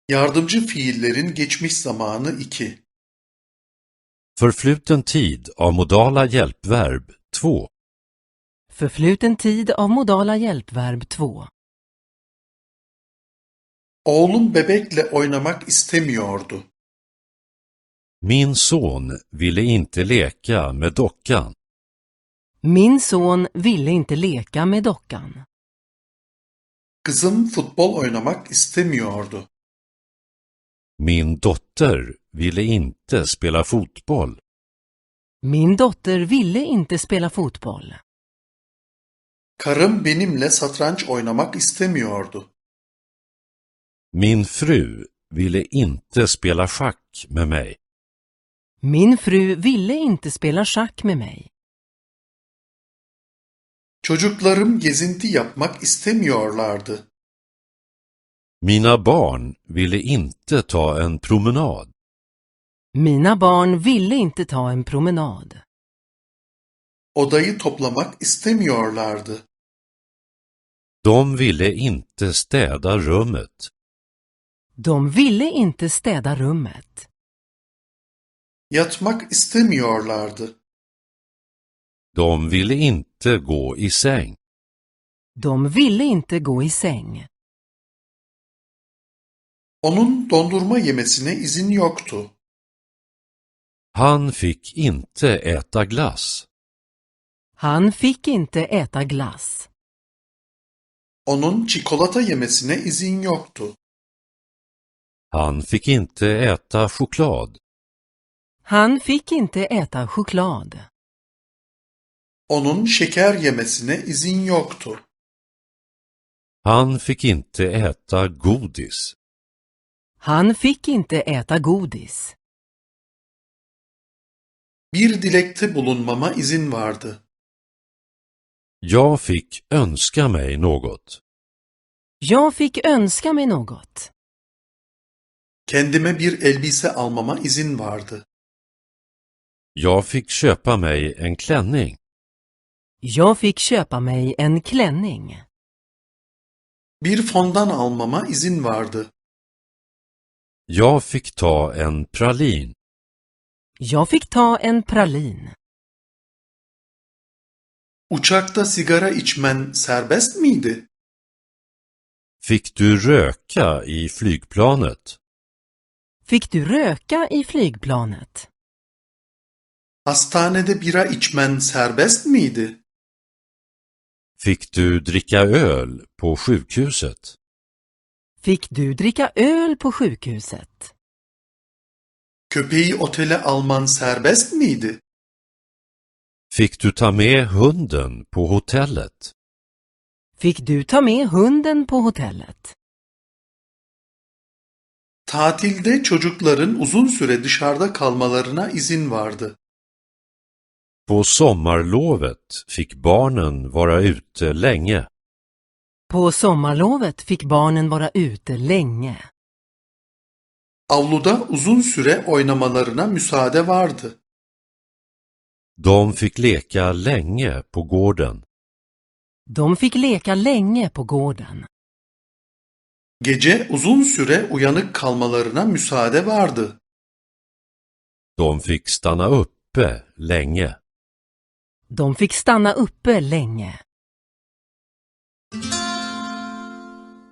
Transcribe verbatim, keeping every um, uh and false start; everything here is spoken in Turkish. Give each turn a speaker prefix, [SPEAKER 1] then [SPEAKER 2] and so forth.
[SPEAKER 1] Yardımcı fiillerin geçmiş zamanı iki.
[SPEAKER 2] Förfluten tid av modala hjälpverb två.
[SPEAKER 3] Förfluten tid av modala hjälpverb två.
[SPEAKER 1] Oğlum bebekle oynamak istemiyordu.
[SPEAKER 2] Min son ville inte leka med dockan.
[SPEAKER 3] Min son ville inte leka med dockan.
[SPEAKER 1] Kızım futbol oynamak istemiyordu.
[SPEAKER 2] Min dotter ville inte spela fotboll.
[SPEAKER 3] Min dotter ville inte spela fotboll.
[SPEAKER 1] Karım benimle satranç oynamak istemiyordu.
[SPEAKER 2] Min fru ville inte spela schack med mig.
[SPEAKER 3] Min fru ville inte spela schack med mig.
[SPEAKER 1] Çocuklarım gezinti yapmak istemiyorlardı.
[SPEAKER 2] Mina barn ville inte ta en promenad.
[SPEAKER 3] Mina barn ville inte ta en promenad.
[SPEAKER 1] Odayı toplamak istemiyorlardı.
[SPEAKER 2] De ville inte städa rummet.
[SPEAKER 3] De ville inte städa rummet.
[SPEAKER 1] Yatmak istemiyorlardı.
[SPEAKER 2] De ville inte gå i säng.
[SPEAKER 3] De ville inte gå i säng.
[SPEAKER 1] Onun dondurma yemesine izin yoktu.
[SPEAKER 2] Han fick inte äta glass.
[SPEAKER 3] Han fick inte äta glass.
[SPEAKER 1] Onun çikolata yemesine izin yoktu.
[SPEAKER 2] Han fick inte äta choklad.
[SPEAKER 3] Han fick inte äta choklad.
[SPEAKER 1] Onun şeker yemesine izin yoktu.
[SPEAKER 2] Han fick inte äta godis.
[SPEAKER 3] Han fick inte äta godis.
[SPEAKER 1] Bir dilekte bulunmama izin vardı.
[SPEAKER 2] Jag fick önska mig något.
[SPEAKER 3] Jag fick önska mig något.
[SPEAKER 1] Kendime bir elbise almama izin vardı.
[SPEAKER 2] Jag fick köpa mig en klänning.
[SPEAKER 3] Jag fick köpa mig en klänning.
[SPEAKER 1] Bir fondan almama izin vardı.
[SPEAKER 2] Jag fick ta en pralin.
[SPEAKER 3] Jag fick ta en pralin.
[SPEAKER 1] Uçakta sigara içmen serbest miydi?
[SPEAKER 2] Fick du röka i flygplanet?
[SPEAKER 3] Fick du röka i flygplanet?
[SPEAKER 1] Hastanede bira içmen serbest miydi?
[SPEAKER 2] Fick du dricka öl på sjukhuset?
[SPEAKER 3] Fick du dricka öl på sjukhuset?
[SPEAKER 1] Köpeği otele alman serbest miydi?
[SPEAKER 2] Fick du ta med hunden på hotellet?
[SPEAKER 3] Fick du ta med hunden på hotellet?
[SPEAKER 1] Tatilde çocukların uzun süre dışarıda kalmalarına izin vardı.
[SPEAKER 2] På sommarlovet fick barnen vara ute länge.
[SPEAKER 3] På sommarlovet fick barnen vara ute länge.
[SPEAKER 1] Avluda uzun süre oynamalarına müsaade vardı.
[SPEAKER 2] De fick leka länge på gården.
[SPEAKER 3] De fick leka länge på gården.
[SPEAKER 1] Gece uzun süre uyanık kalmalarına müsaade vardı.
[SPEAKER 2] De fick stanna uppe länge.
[SPEAKER 3] De fick stanna uppe länge.